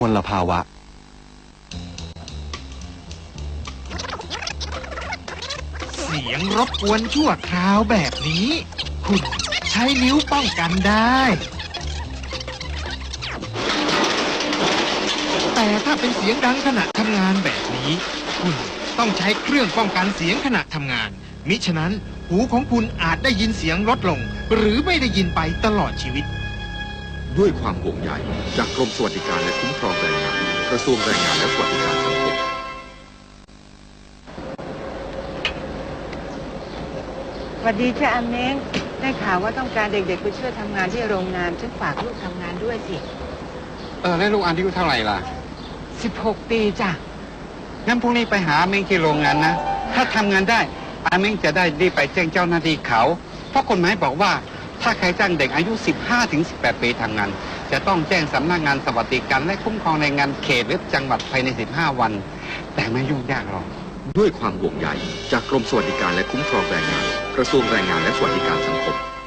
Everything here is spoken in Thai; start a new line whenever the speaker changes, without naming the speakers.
มลภาวะ
เสียงรบกวนชั่วคราวแบบนี้คุณใช้นิ้วป้องกันได้แต่ถ้าเป็นเสียงดังขณะทำงานแบบนี้คุณต้องใช้เครื่องป้องกันเสียงขณะทำงานมิฉะนั้นหูของคุณอาจได้ยินเสียงลดลงหรือไม่ได้ยินไปตลอดชีวิต
ด้วยความห่วงใยจากกรมสวัสดิการและคุ้มครองแรงงานกระทรวงแรงงานและสวัสดิการสังคม
สวัสดีจ้ะอาเม้งได้ข่าวว่าต้องการเด็กๆไปช่วยทำงานที่โรงงานฉันฝากลูกทำงานด้วยสิ
แล้วลูกอายุเท่าไหร่ล่ะ
16 ปีจ้ะ
งั้นพรุ่งนี้ไปหาอาเม้งที่โรงงานนะถ้าทำงานได้อาเม้งจะได้รีบไปแจ้งเจ้าหน้าที่เขาเพราะกฎหมายบอกว่าถ้าใครจ้างเด็กอายุ 15-18 ปีทำงานจะต้องแจ้งสำนักงานสวัสดิการและคุ้มครองแรงงานเขตหรือจังหวัดภายใน15 วันแต่ไม่ยุ่งยากหรอก
ด้วยความห่วงใยจากกรมสวัสดิการและคุ้มครองแรงงานกระทรวงแรงงานและสวัสดิการสังคม